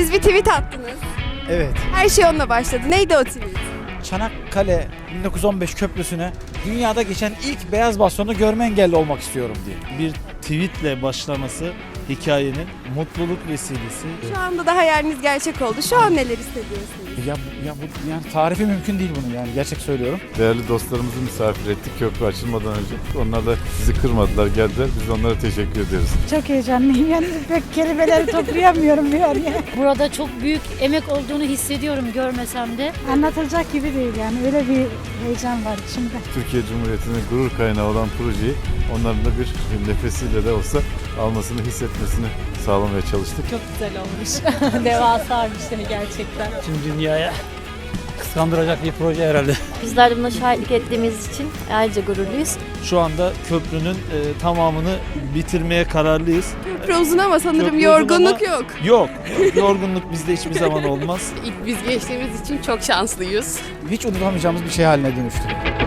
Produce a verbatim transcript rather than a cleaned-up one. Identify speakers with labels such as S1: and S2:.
S1: Siz bir tweet attınız.
S2: Evet.
S1: Her şey onunla başladı. Neydi o tweet?
S2: Çanakkale bin dokuz yüz on beş köprüsüne dünyada geçen ilk beyaz bastonu görme engelli olmak istiyorum diye.
S3: Bir tweetle başlaması hikayenin mutluluk vesilesi.
S1: Şu anda da hayaliniz gerçek oldu. Şu an neler hissediyorsunuz?
S2: Ya, ya bu yani tarifi mümkün değil bunun, yani gerçek söylüyorum.
S4: Değerli dostlarımızı misafir ettik köprü açılmadan önce. Onlar da bizi kırmadılar, geldiler. Biz onlara teşekkür ediyoruz.
S5: Çok heyecanlıyım, yani pek kelimeleri toplayamıyorum yani.
S6: Burada çok büyük emek olduğunu hissediyorum görmesem de.
S5: Anlatılacak gibi değil yani, öyle bir heyecan var içimde.
S4: Türkiye Cumhuriyeti'nin gurur kaynağı olan projeyi onların da bir nefesiyle de olsa almasını, hissetmesini sağlamaya çalıştık.
S6: Çok güzel olmuş. Devasaymış yani gerçekten.
S7: Tüm dünyaya kıskandıracak bir proje herhalde.
S8: Bizler de buna şahitlik ettiğimiz için ayrıca gururluyuz.
S3: Şu anda köprünün e, tamamını bitirmeye kararlıyız.
S1: Köprü uzun ama sanırım
S3: Köprü uzun
S1: yorgunluk
S3: ama-
S1: yok.
S3: Yok, yorgunluk bizde hiçbir zaman olmaz.
S9: İlk biz geçtiğimiz için çok şanslıyız.
S2: Hiç unutamayacağımız bir şey haline dönüştü.